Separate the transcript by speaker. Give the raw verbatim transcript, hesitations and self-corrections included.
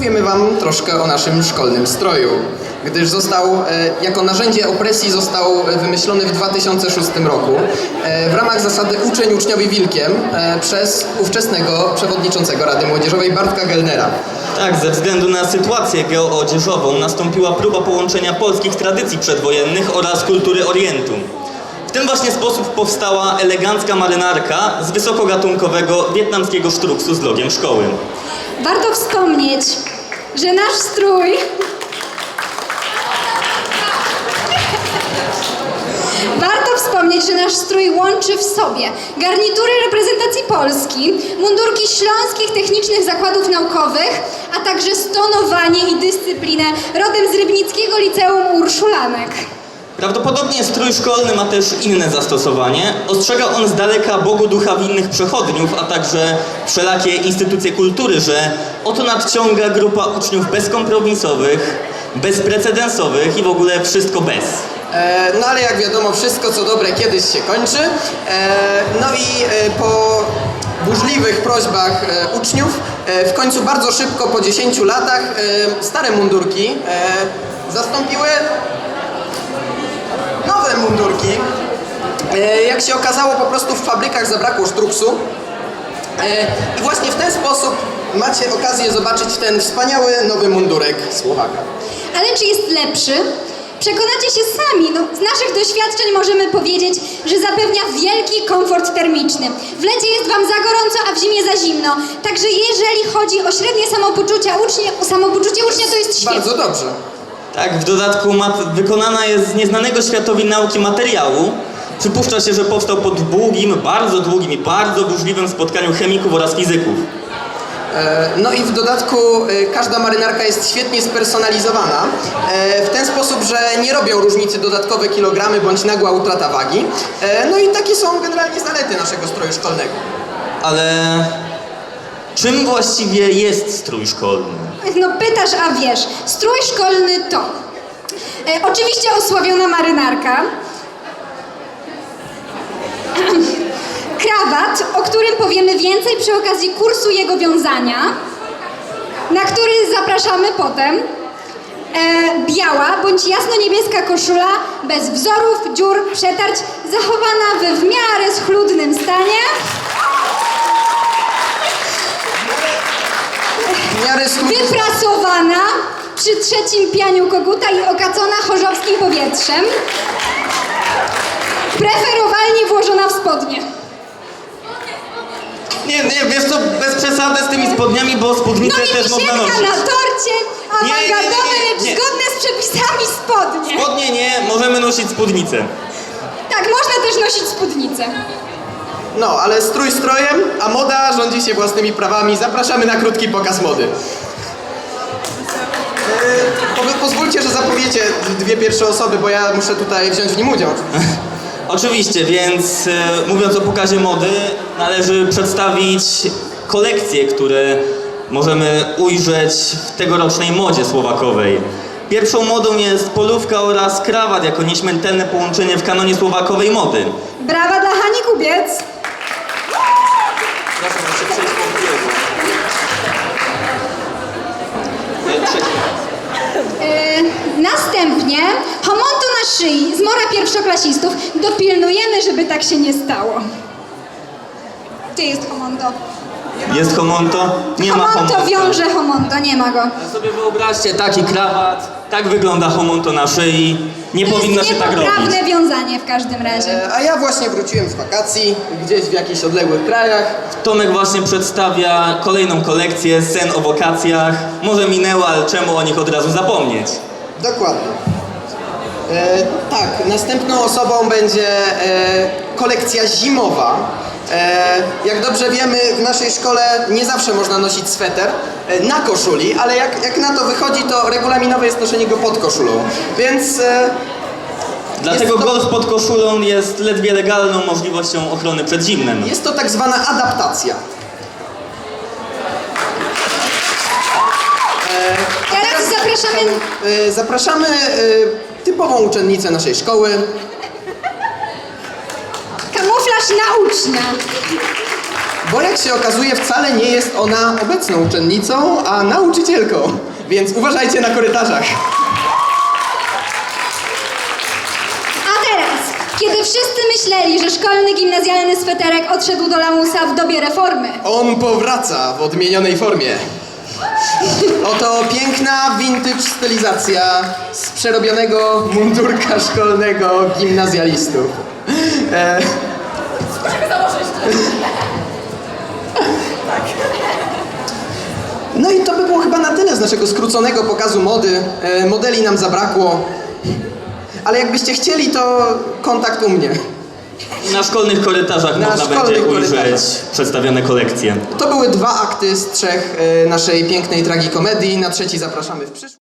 Speaker 1: powiemy wam troszkę o naszym szkolnym stroju, gdyż został, e, jako narzędzie opresji został wymyślony w dwa tysiące szóstym roku e, w ramach zasady uczeń uczniowi wilkiem e, przez ówczesnego przewodniczącego Rady Młodzieżowej Bartka Gellnera.
Speaker 2: Tak, ze względu na sytuację geoodzieżową nastąpiła próba połączenia polskich tradycji przedwojennych oraz kultury Orientu. W ten właśnie sposób powstała elegancka marynarka z wysokogatunkowego wietnamskiego sztruksu z logiem szkoły.
Speaker 3: Warto wspomnieć, że nasz strój Warto wspomnieć, że nasz strój łączy w sobie garnitury reprezentacji Polski, mundurki śląskich technicznych zakładów naukowych, a także stonowanie i dyscyplinę rodem z Rybnickiego Liceum Urszulanek.
Speaker 2: Prawdopodobnie strój szkolny ma też inne zastosowanie. Ostrzega on z daleka Bogu ducha winnych przechodniów, a także wszelakie instytucje kultury, że oto nadciąga grupa uczniów bezkompromisowych, bezprecedensowych i w ogóle wszystko bez.
Speaker 1: E, no ale jak wiadomo, wszystko co dobre kiedyś się kończy. E, no i e, po burzliwych prośbach e, uczniów, e, w końcu bardzo szybko, po dziesięciu latach, e, stare mundurki e, zastąpiły nowe mundurki. E, jak się okazało, po prostu w fabrykach zabrakło sztruksu. E, I właśnie w ten sposób macie okazję zobaczyć ten wspaniały nowy mundurek Słowaka.
Speaker 3: Ale czy jest lepszy? Przekonacie się sami. No, z naszych doświadczeń możemy powiedzieć, że zapewnia wielki komfort termiczny. W lecie jest wam za gorąco, a w zimie za zimno. Także jeżeli chodzi o średnie samopoczucie ucznia, samopoczucie ucznia, to jest świetne.
Speaker 1: Bardzo dobrze.
Speaker 2: Tak, w dodatku mat- wykonana jest z nieznanego światowi nauki materiału. Przypuszcza się, że powstał po długim, bardzo długim i bardzo burzliwym spotkaniu chemików oraz fizyków.
Speaker 1: No i w dodatku każda marynarka jest świetnie spersonalizowana w ten sposób, że nie robią różnicy dodatkowe kilogramy bądź nagła utrata wagi. No i takie są generalnie zalety naszego stroju szkolnego.
Speaker 2: Ale czym właściwie jest strój szkolny?
Speaker 3: No pytasz, a wiesz. Strój szkolny to e, oczywiście osławiona marynarka, krawat, o którym powiemy więcej przy okazji kursu jego wiązania, na który zapraszamy potem, e, biała bądź jasno-niebieska koszula bez wzorów, dziur, przetarć, zachowana we w miarę schludnym stanie,
Speaker 1: W miarę schludny-
Speaker 3: wyprasowana przy trzecim pianiu koguta i okacona chorzowskim powietrzem, preferowalnie włożona w spodnie.
Speaker 2: Nie, nie, wiesz co, bez przesady z tymi spodniami, bo
Speaker 3: No
Speaker 2: spódnicę
Speaker 3: i
Speaker 2: też można
Speaker 3: wisienka
Speaker 2: nosić.
Speaker 3: na torcie,
Speaker 2: Nie, nie, nie,
Speaker 3: awangardowe,
Speaker 2: nie,
Speaker 3: lecz
Speaker 2: nie.
Speaker 3: zgodne z przepisami spodnie.
Speaker 2: Spodnie nie, możemy nosić spódnicę.
Speaker 3: Tak, można też nosić spódnicę.
Speaker 1: No, ale strój strojem, a moda rządzi się własnymi prawami. Zapraszamy na krótki pokaz mody. E, po, pozwólcie, że zapowiecie dwie pierwsze osoby, bo ja muszę tutaj wziąć w nim udział.
Speaker 2: Oczywiście, więc e, mówiąc o pokazie mody, należy przedstawić kolekcje, które możemy ujrzeć w tegorocznej modzie słowakowej. Pierwszą modą jest polówka oraz krawat jako nieśmiertelne połączenie w kanonie słowakowej mody.
Speaker 3: Brawa dla Hani Kubiec.
Speaker 2: Proszę, proszę przejść po biegu. E, trzeci.
Speaker 3: Yy, następnie homonto na szyi z mora pierwszoklasistów. Dopilnujemy, żeby tak się nie stało. Gdzie jest homonto?
Speaker 2: Jest homonto? Nie ma
Speaker 3: Homonto
Speaker 2: homonto.
Speaker 3: wiąże homonto, nie ma go.
Speaker 2: A sobie wyobraźcie taki krawat, tak wygląda homonto na szyi. Nie
Speaker 3: To
Speaker 2: powinno
Speaker 3: jest
Speaker 2: się tak robić.
Speaker 3: niepoprawne wiązanie w każdym razie.
Speaker 1: E, a ja właśnie wróciłem z wakacji, gdzieś w jakichś odległych krajach.
Speaker 2: Tomek właśnie przedstawia kolejną kolekcję scen o wakacjach. Może minęło, ale czemu o nich od razu zapomnieć?
Speaker 1: Dokładnie. E, tak, następną osobą będzie e, kolekcja zimowa. E, jak dobrze wiemy, w naszej szkole nie zawsze można nosić sweter e, na koszuli, ale jak, jak na to wychodzi, to regulaminowe jest noszenie go pod koszulą. Więc e,
Speaker 2: Dlatego
Speaker 1: Jest to-
Speaker 2: golf pod koszulą jest ledwie legalną możliwością ochrony przed zimnem.
Speaker 1: jest to tak zwana adaptacja. E, a
Speaker 3: Teraz zapraszamy-
Speaker 1: e, zapraszamy e, typową uczennicę naszej szkoły.
Speaker 3: Kamuflaż na ucznia.
Speaker 1: Bo jak się okazuje, wcale nie jest ona obecną uczennicą, a nauczycielką. Więc uważajcie na korytarzach.
Speaker 3: A teraz, kiedy wszyscy myśleli, że szkolny gimnazjalny sweterek odszedł do lamusa w dobie reformy,
Speaker 1: On powraca w odmienionej formie. Oto piękna vintage stylizacja z przerobionego mundurka szkolnego gimnazjalistów. E... No i to by było chyba na tyle z naszego skróconego pokazu mody. E, modeli nam zabrakło. Ale jakbyście chcieli, to kontakt u mnie.
Speaker 2: Na szkolnych korytarzach
Speaker 1: Na
Speaker 2: można
Speaker 1: szkolnych
Speaker 2: będzie ujrzeć
Speaker 1: korytarzach.
Speaker 2: przedstawione kolekcje.
Speaker 1: To były dwa akty z trzech e, naszej pięknej tragikomedii. Na trzeci zapraszamy w przyszłość.